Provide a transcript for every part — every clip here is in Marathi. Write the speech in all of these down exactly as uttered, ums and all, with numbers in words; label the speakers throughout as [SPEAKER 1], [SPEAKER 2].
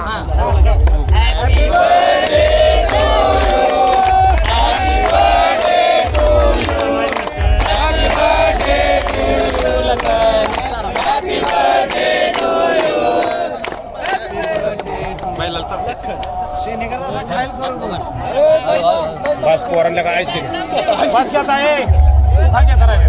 [SPEAKER 1] बस पोरांना काय ऐकते बस घेत आहे काय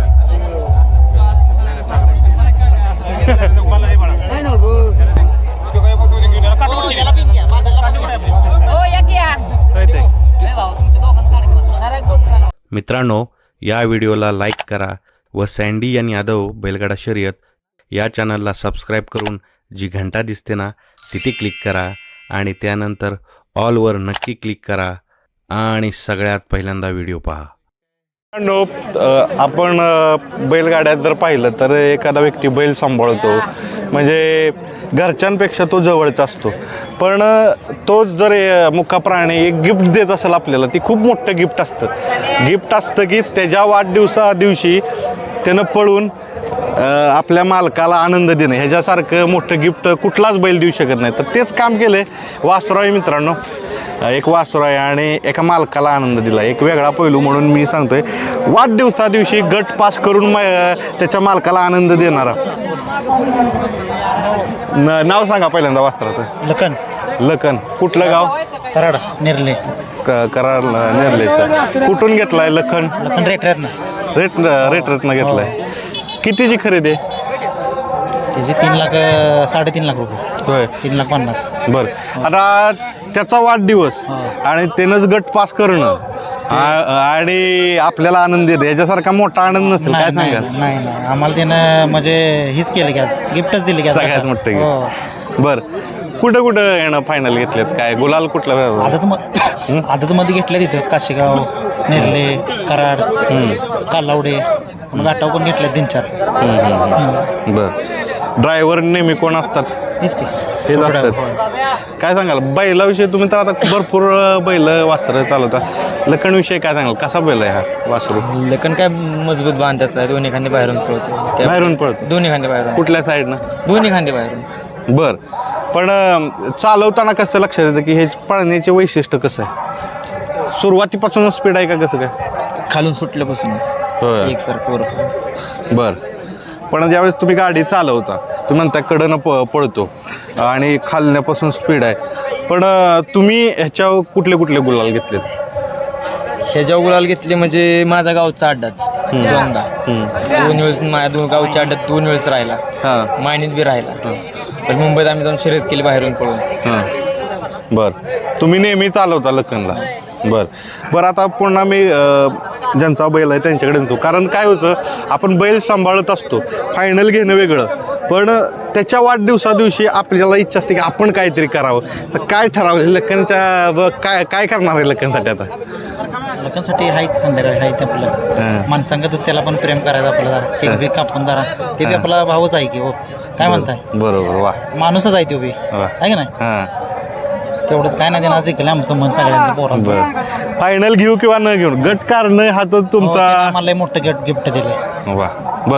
[SPEAKER 2] मित्रांनो, या व्हिडिओला लाईक करा व सँडी आणि यादव बैलगाडा शर्यत या चॅनलला सबस्क्राईब करून जी घंटा दिसते ना तिथे क्लिक करा आणि त्यानंतर ऑलवर नक्की क्लिक करा आणि सगळ्यात पहिल्यांदा व्हिडिओ पहा.
[SPEAKER 3] नो आपण बैलगाड्यात जर पाहिलं तर एखादा व्यक्ती बैल सांभाळतो म्हणजे घरच्यांपेक्षा तो जवळचा असतो, पण तो जर मुका प्राणी एक गिफ्ट देत असेल आपल्याला, ती खूप मोठं गिफ्ट असतं. गिफ्ट असतं की त्याच्या वाढदिवसा दिवशी त्यानं पळून आपल्या मालकाला आनंद देणं, ह्याच्यासारखं मोठं गिफ्ट कुठलाच बैल देऊ शकत नाही. तर तेच काम केलं आहे वासरू आहे मित्रांनो. एक वासरू आहे आणि एका मालकाला आनंद दिला, एक वेगळा पैलू म्हणून मी सांगतोय. वाढदिवसा दिवशी गट पास करून त्याच्या मालकाला आनंद देणारा. नाव सांगा पहिल्यांदा वासराचं.
[SPEAKER 4] लखन.
[SPEAKER 3] लखन. कुठलं गाव?
[SPEAKER 4] कराड नेरले.
[SPEAKER 3] कराड नेरलेचं. कुठून घेतलाय लखन?
[SPEAKER 4] लखन रेटरत्न.
[SPEAKER 3] रेट रेटरत्न घेतलाय. कितीची खरेदी आहे?
[SPEAKER 4] त्याची तीन लाख साडेतीन लाख रुपये.
[SPEAKER 3] होय,
[SPEAKER 4] तीन लाख पन्नास.
[SPEAKER 3] बरं. आता त्याचा वाढदिवस आणि त्यानंच गट पास करणं आणि आपल्याला आनंद देते, याच्यासारखा मोठा आनंद नसेल, काय सांगाल?
[SPEAKER 4] नाही नाही, आम्हाला त्यानं म्हणजे हीच केलं की आज गिफ्टच दिले की
[SPEAKER 3] सगळ्यात मोठं गिफ्ट. बरं, कुठं कुठं येणं फायनल घेतलेत? काय गुलाल कुठला?
[SPEAKER 4] आदत मध्ये आदत मध्ये घेतल्या तिथं काशीगाव, नेरले, कराड, कालावडे, घाटाव पण घेतल्या तीन चार.
[SPEAKER 3] बरं. ड्रायव्हर नेहमी कोण असतात?
[SPEAKER 4] हेच की
[SPEAKER 3] हेच असतात. काय सांगाल बैलाविषयी? तुम्ही तर आता भरपूर बैल वासरं चालवता. लखनविषयी काय सांगाल? कसा बैल आहे हा वासरू?
[SPEAKER 5] लखन काय मजबूत बांधायचा आहे, दोन्ही खांदे बाहेरून पळतो.
[SPEAKER 3] बाहेरून पळतो?
[SPEAKER 5] दोन्ही खांदे बाहेरून.
[SPEAKER 3] कुठल्या साईडनं?
[SPEAKER 5] दोन्ही खांदे बाहेरून.
[SPEAKER 3] बर. पण चालवताना कसं लक्षात येतं की हे पळण्याचे वैशिष्ट्य कसं आहे? सुरुवातीपासूनच स्पीड आहे का कसं काय?
[SPEAKER 5] खालून सुटल्यापासूनच
[SPEAKER 3] होय.
[SPEAKER 5] एकसारखं वर.
[SPEAKER 3] बर. पण ज्यावेळेस तुम्ही गाडी चालवता, तुम्ही म्हणता कडनं प पळतो आणि खालण्यापासून स्पीड आहे, पण तुम्ही ह्याच्यावर कुठले कुठले गुलाल घेतलेत?
[SPEAKER 5] ह्याच्या गुलाल घेतले म्हणजे माझा गावचा अड्डाच दोनदा. दोन वेळेस माझ्या दोन गावच्या अड्ड्यात दोन वेळेस राहिला.
[SPEAKER 3] हां.
[SPEAKER 5] मायनीत बी राहिला. पण मुंबईत आम्ही जाऊन शर्यत केली बाहेरून पळून.
[SPEAKER 3] हां. बर. तुम्ही नेहमी चालवता लखनला? बर बरं. आता पुन्हा मी ज्यांचा बैल आहे त्यांच्याकडे येतो, कारण काय होतं, आपण बैल सांभाळत असतो, फायनल घेणं वेगळं, पण त्याच्या वाढदिवसा दिवशी आपल्याला इच्छा असते की आपण काहीतरी करावं. तर काय ठरवलं लखनच्या? काय काय करणार आहे लखनसाठी आता?
[SPEAKER 4] लखनसाठी हाय संध्याकाळी हाय ते आपलं माणसांगतच त्याला पण प्रेम करायचं आपलं, जरा केक बी कापून जरा. ते बी आपला भाऊच आहे की हो, काय म्हणताय?
[SPEAKER 3] बरोबर. वा,
[SPEAKER 4] माणूसच आहे तो बी, आहे की नाही?
[SPEAKER 3] हां.
[SPEAKER 4] तेवढंच काय नाही देणार जिंकलं आमचं मन सगळ्यांचं पोरांचं.
[SPEAKER 3] फायनल घेऊ किंवा न घेऊ, गट काढणं हा तर तुमचा.
[SPEAKER 4] मला मोठं गिफ्ट गिफ्ट दिलं.
[SPEAKER 3] वा. बर.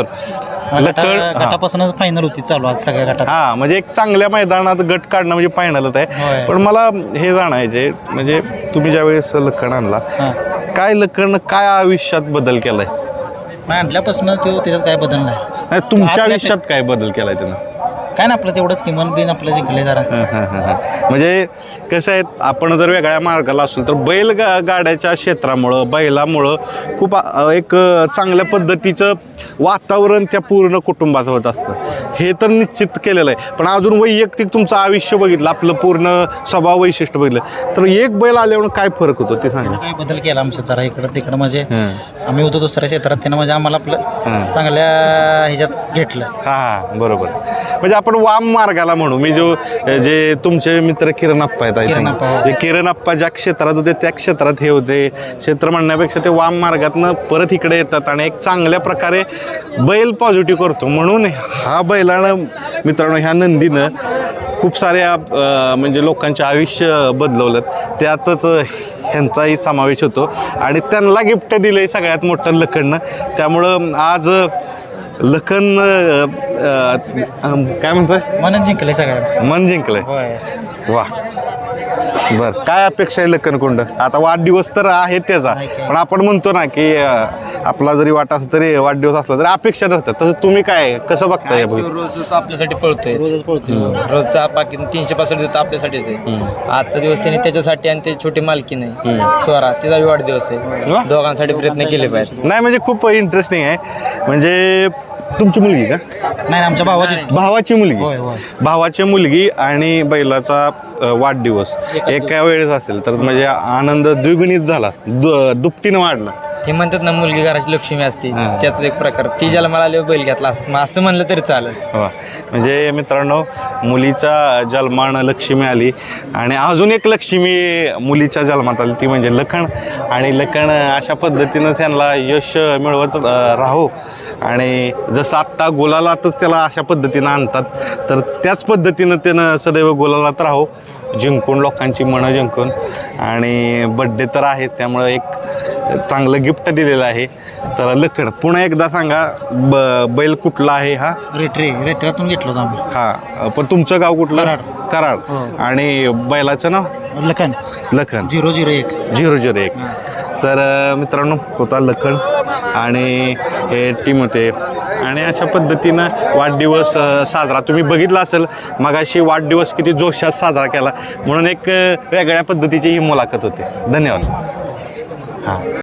[SPEAKER 4] गटापासूनच फायनल होती चालू आज सगळ्या गटात.
[SPEAKER 3] हा, म्हणजे एक चांगल्या मैदानात गट काढणं म्हणजे फायनलच आहे. पण मला हे जाणायचे म्हणजे तुम्ही ज्यावेळेस लखन आणला, काय लखन काय आयुष्यात बदल केलाय?
[SPEAKER 4] आणल्यापासून तो त्याच्यात काय बदल नाही.
[SPEAKER 3] तुमच्या आयुष्यात काय बदल केलाय त्यानं?
[SPEAKER 4] काय ना आपलं तेवढंच किमान बिन आपलं जिंकले जरा.
[SPEAKER 3] म्हणजे कसं आहे, आपण जर वेगळ्या मार्गाला असलो तर बैल गाड्याच्या क्षेत्रामुळं बैलामुळं खूप एक चांगल्या पद्धतीचं वातावरण त्या पूर्ण कुटुंबाचं होत असतं, हे तर निश्चित केलेलं आहे. पण अजून वैयक्तिक तुमचं आयुष्य बघितलं, आपलं पूर्ण स्वभाव वैशिष्ट्य बघितलं तर एक बैल आल्यावर काय फरक होतो ते सांगा.
[SPEAKER 4] काय बदल केला आमच्या जरा इकडं तिकडं, म्हणजे आम्ही होतो दुसऱ्या क्षेत्रात, त्यानं म्हणजे आम्हाला आपलं चांगल्या ह्याच्यात घेतलं.
[SPEAKER 3] हां, बरोबर. म्हणजे आपण वाम मार्गाला म्हणू. मी जो जे तुमचे मित्र किरण अप्पा आहेत, किरण अप्पा ज्या क्षेत्रात होते त्या क्षेत्रात हे होते, क्षेत्र म्हणण्यापेक्षा ते वाम मार्गातनं परत इकडे येतात आणि एक चांगल्या प्रकारे बैल पॉझिटिव्ह करतो. म्हणून हा बैलानं मित्रांनो, ह्या नंदीनं खूप साऱ्या म्हणजे लोकांचे आयुष्य बदलवलं, त्यातच ह्यांचाही समावेश होतो आणि त्यांना गिफ्ट दिले सगळ्यात मोठं लखननं. त्यामुळं आज लखन अ, अ, काय म्हणतोय
[SPEAKER 4] मनच जिंकले सगळ्यांचं.
[SPEAKER 3] मन जिंकलंय
[SPEAKER 4] होय.
[SPEAKER 3] वा बर काय अपेक्षा आहे लखन कुंड आता वाढदिवस तर आहे त्याचा
[SPEAKER 4] आहे की.
[SPEAKER 3] पण आपण म्हणतो ना की अ, आपला जरी वाट असला तरी वाढदिवस असला तरी अपेक्षा नसतात तसं तुम्ही काय कसं बघताय
[SPEAKER 5] तो रोज आपल्यासाठी पळतोय
[SPEAKER 4] रोजच पळतोय.
[SPEAKER 5] रोजचा बाकी तीनशे पासष्ट दिवस आपल्यासाठीच आहे. आजचा दिवस त्यांनी त्याच्यासाठी आणि ते छोटी मालकी नाही स्वरा तिचा वाढदिवस
[SPEAKER 3] वा.
[SPEAKER 5] आहे. दोघांसाठी प्रयत्न केले पाहिजे.
[SPEAKER 3] नाही म्हणजे खूप इंटरेस्टिंग आहे म्हणजे तुमची मुलगी का
[SPEAKER 4] नाही आमच्या भावाचीच.
[SPEAKER 3] भावाची
[SPEAKER 4] होय,
[SPEAKER 3] मुलगी
[SPEAKER 4] होय.
[SPEAKER 3] भावाची मुलगी आणि बैलाचा अ, वाढदिवस एका वेळेस असेल तर म्हणजे आनंद द्विगुणित झाला दु- दुपटीनं वाढला
[SPEAKER 5] ते म्हणतात ना मुलगी घराची लक्ष्मी असते
[SPEAKER 3] हा.
[SPEAKER 5] त्याचा एक प्रकार ती ज्याला मला आले बैल घेतला असत मग असं म्हणलं तरी चालेल.
[SPEAKER 3] वा म्हणजे मित्रांनो मुलीच्या जन्मानं लक्ष्मी आली आणि अजून एक लक्ष्मी मुलीच्या जन्मात आली ती म्हणजे लखन आणि लखन अशा पद्धतीनं त्यांना यश मिळवत अ, राहो आणि जसं आत्ता गोलालातच त्याला अशा पद्धतीनं आणतात तर त्याच पद्धतीनं त्यानं सदैव गोलालात राहो जिंकून लोकांची मनं जिंकून आणि बड्डे तर आहे त्यामुळं एक चांगलं गिफ्ट दिलेलं आहे तर लखन पुन्हा एकदा सांगा ब बैल कुठला आहे हा
[SPEAKER 4] रेटरे रेटरातून घेतलो होतो आम्ही.
[SPEAKER 3] हा पण तुमचं गाव कुठलं
[SPEAKER 4] कराड.
[SPEAKER 3] कराड
[SPEAKER 4] हो.
[SPEAKER 3] आणि बैलाचं नाव
[SPEAKER 4] लखन
[SPEAKER 3] लखन
[SPEAKER 4] झिरो झिरो एक.
[SPEAKER 3] झिरो झिरो एक तर अ, मित्रांनो होता लखन आणि हे टीम होते आणि अशा पद्धतीनं वाढदिवस अ, साजरा तुम्ही बघितला असेल मगाशी वाढदिवस किती जोशात साजरा केला म्हणून एक अ, वेगळ्या पद्धतीची ही मुलाखत होती धन्यवाद हां